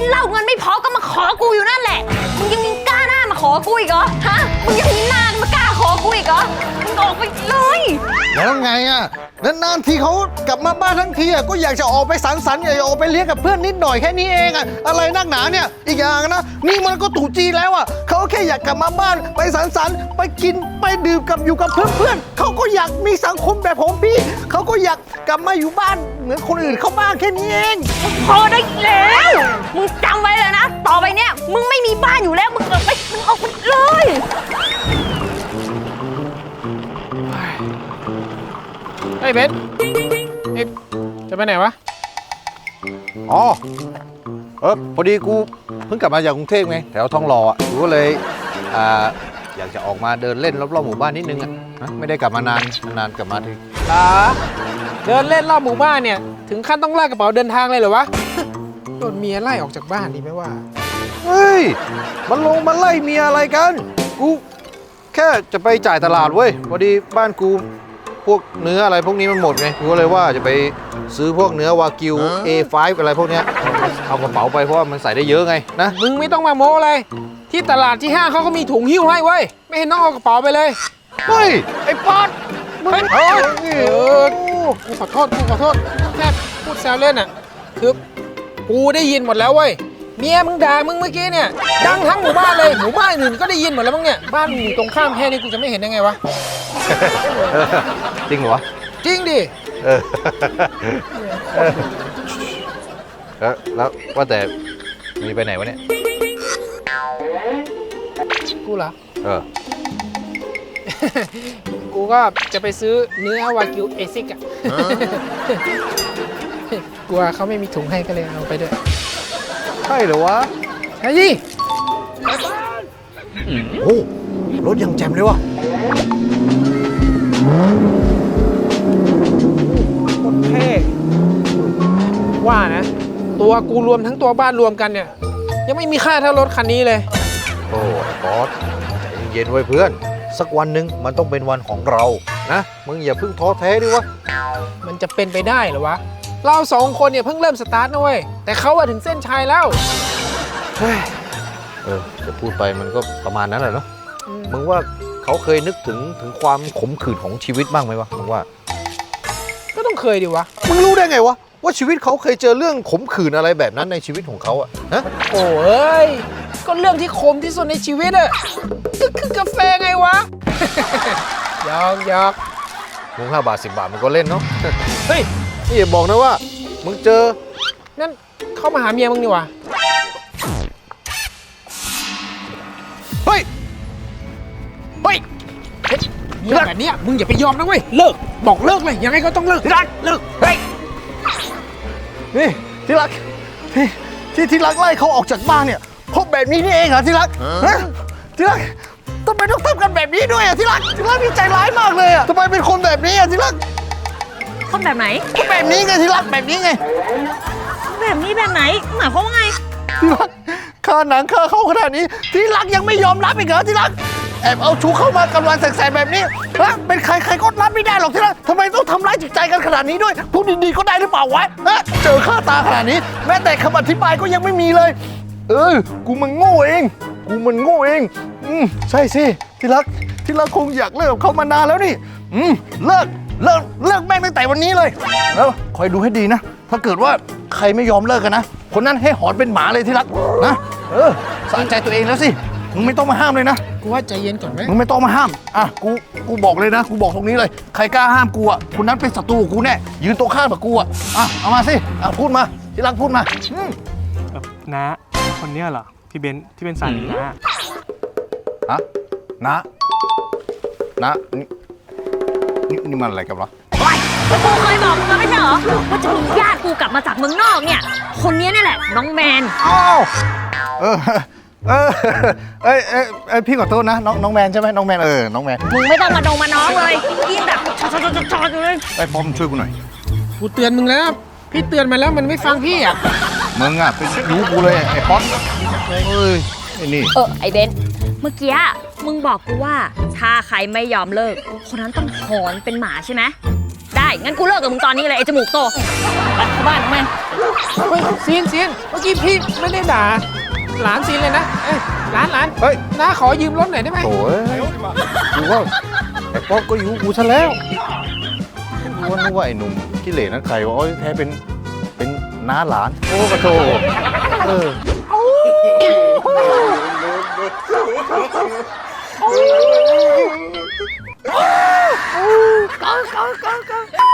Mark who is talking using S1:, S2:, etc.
S1: นเหล้าเงินไม่พอก็มาขอกูอยู่นั่นแหละมึงยังมีกล้าหน้ามาขอกูอีกเหรอฮะมึงยังมีหน้ามากล้าขอกูอีกเหรอมึงออกไปเลย
S2: แล้วไงอ่ะนานๆทีเขากลับมาบ้านทั้งทีอ่ะก็อยากจะออกไปสังสรรค์อยากจะออกไปเลี้ยงกับเพื่อนนิดหน่อยแค่นี้เองอ่ะอะไรนักหนาเนี่ยอีกอย่างนะนี่มันก็ตู่จีนแล้วอ่ะเขาแค่อยากกลับมาบ้านไปสังสรรค์ไปกินไปดื่มกับอยู่กับเพื่อนๆเขาก็อยากมีสังคมแบบผมพี่เขาก็อยากกลับมาอยู่บ้านเหมือนคนอื่นเขาบ้างแค่นี้เอง
S1: พอได้แล้วมึงจำไว้เลยนะต่อไปเนี่ยมึงไม่มีบ้านอยู่แล้วมึงออกไปเลย
S3: เฮ้ยเบนจะไปไหนวะ
S2: อ๋อพอดีกูเพิ่งกลับมาจากกรุงเทพไงแถวทองหล่ออ่ะกูก็เลยอยากจะออกมาเดินเล่นรอบๆหมู่บ้านนิดนึงอ่ะไม่ได้กลับมานานกลับมาที
S3: เดินเล่นรอบหมู่บ้านเนี่ยถึงขั้นต้องลากกระเป๋าเดินทางเลยเหรอวะโดนเมียไล่ออกจากบ้านดีไหมว่า
S2: เฮ้ยมันไล่เมียอะไรกันกูแค่จะไปจ่ายตลาดเว้ยพอดีบ้านกูพวกเนื้ออะไรพวกนี้มันหมดไงกูก็เลยว่าจะไปซื้อพวกเนื้อวากิว A5 อะไรพวกเนี้ยเอากระเป๋าไปเพราะว่ามันใส่ได้เยอะไงนะ
S3: มึงไม่ต้องมาโม้เลยที่ตลาดที่ห้างเขาก็มีถุงหิ้วให้เว้ยไม่เห็นต้องเอากระเป๋าไปเลย
S2: เฮ้ยไอ้ป๊อด
S3: กูขอโทษแค่พูดแซวเล่นอ่ะคือกูได้ยินหมดแล้วเว้ยเมียมึงด่ามึงเมื่อกี้เนี่ยดังทั้งหมู่บ้านเลยหมู่บ้านอื่นก็ได้ยินหมดแล้วมั้งเนี่ยบ้านอยู่ตรงข้ามแค่นี้กูจะไม่เห็นได้ไงวะ
S2: จริงเหรอวะ
S3: จริงดิ
S2: แล้วว่าแต่มีไปไหนวะเนี่ย
S3: กูเหรอกูก็จะไปซื้อเนื้อวากิวเอซิกอ่ะกลัวเขาไม่มีถุงให้ก็เลยเอาไปด้วย
S2: ใช่เหรอวะ
S3: ใช่ดิ
S2: โอ้รถยังแจ่มเลยวะ
S3: โคตรเท่ว่านะตัวกูรวมทั้งตัวบ้านรวมกันเนี่ยยังไม่มีค่าเท่ารถคันนี้เลย
S2: โอ้บอสใจเย็นไว้เพื่อนสักวันหนึ่งมันต้องเป็นวันของเรานะมึงอย่าเพิ่งท้อแท้ดิวะ
S3: มันจะเป็นไปได้เหรอวะเราสองคนเนี่ยเพิ่งเริ่มสตาร์ทนะเว้ยแต่เขาอะถึงเส้นชัยแล้ว
S2: จะพูดไปมันก็ประมาณนั้นแหละเนาะมึงว่าเขาเคยนึกถึงความขมขื่นของชีวิตบ้างไหมวะมึงว่า
S3: ก็ต้องเคยดิวะ
S2: มึงรู้ได้ไงวะว่าชีวิตเขาเคยเจอเรื่องขมขื่นอะไรแบบนั้นในชีวิตของเขาอะฮะ
S3: โอ้ยก็เรื่องที่ขมที่สุดในชีวิตอะก็คือกาแฟไงวะยอก
S2: มึง5 บาท 10 บาทมันก็เล่นเนาะ
S3: เฮ้ย
S2: นี่อย่าบอกนะว่ามึงเจอ
S3: นั่นเข้ามาหาเมียมึงนี่วะ
S2: เฮ้ย
S3: เรื่องแบบนี้มึงอย่าไปยอมนะเว้ยเลิกบอกเลิกเลยยังไงก็ต้องเลิกเลิก
S2: เฮ้ยนี่ที่รักที่รักไล่เขาออกจากบ้านเนี่ยเพราะแบบนี้นี่เองเหรอที่รักที่รักทำไมต้องทำกันแบบนี้ด้วยอะที่รักนี่ใจร้ายมากเลยอะทำไมเป็นคนแบบนี้อะที่รัก
S1: คนแบบไหน
S2: แบบนี้ไงที่รักแบบนี้ไง
S1: แบบนี้แบบไหนหมายความว่าไง
S2: ที่รักค่าหนังค่าเข้าขนาดนี้ที่รักยังไม่ยอมรับอีกเหรอที่รักแอบเอาชูเข้ามากำลังแสกๆแบบนี้ฮะเป็นใครก็รับไม่ได้หรอกที่รักทำไมต้องทำร้ายจิตใจกันขนาดนี้ด้วยพูดดีๆก็ได้หรือเปล่าวะเจอข้าตาขนาดนี้แม้แต่คำอธิบายก็ยังไม่มีเลยกูมันโง่เองใช่สิที่รักคงอยากเลิกกับเขามานานแล้วนี่เลิกแม่งตั้งแต่วันนี้เลยแล้วคอยดูให้ดีนะถ้าเกิดว่าใครไม่ยอมเลิกกันนะคนนั้นให้หอนเป็นหมาเลยที่รักนะสะใจตัวเองแล้วสิมึงไม่ต้องมาห้ามเลยนะ
S3: กูว่าใจเย็นก่อนไหม
S2: มึงไม่ต้องมาห้ามกูบอกเลยนะกูบอกตรงนี้เลยใครกล้าห้ามกูอ่ะคนนั้นเป็นศัตรูกูแน่ยืนตรงข้ามกับกูอ่ะเอามาสิพูดมาที่รักพูดมา
S4: นะคนเนี้ยเหรอพี่เบนที่เป็นสามี
S2: นะนี่มันอะไรกันวะ
S1: กูเคยบอกมึงแล้วไม่ใช่เหรอว่าจะมีญาติกูกลับมาจากเมืองนอกเนี่ยคนนี้นี่แหละน้องแมน
S2: พี่ขอโทษนะน้องแมนใช่ไหมน้องแมนน้องแมน
S1: มึงไม่ต้องมาน้องเลยกินแบบชอเลย
S2: ไอ้พอมช่วยกูหน่อย
S3: กูเตือนมึงแล้วพี่เตือนมาแล้วมันไม่ฟังพี่อ่ะ
S2: มึงอ่ะเป็นรู้กูเลยไอ้ป๊อตไอ้นี่
S1: ไอ้เบนเมื่อกี้มึงบอกกูว่าถ้าใครไม่ยอมเลิกคนนั้นต้องหอนเป็นหมาใช่ไหมได้งั้นกูเลิกกับมึงตอนนี้เลยไอ้จมูกโตไปเข้าบ้านมึง
S3: เฮ้ยซีนเมื่อกี้พี่ไม่ได้ด่าหลานซีนเลยนะเอ้ยหลาน
S2: เฮ้ย
S3: น้าขอยืมรถหน่อยได้ไหม
S2: โถ่กูว่าไอ้ป๊อกก็อยู่กูซะแล้วกูว่านึกว่าไอ้หนุ่มขี้เหร่นั่นใครวะอ๋อแท้เป็นน้าหลานโอ้กระโถเออ
S1: ก็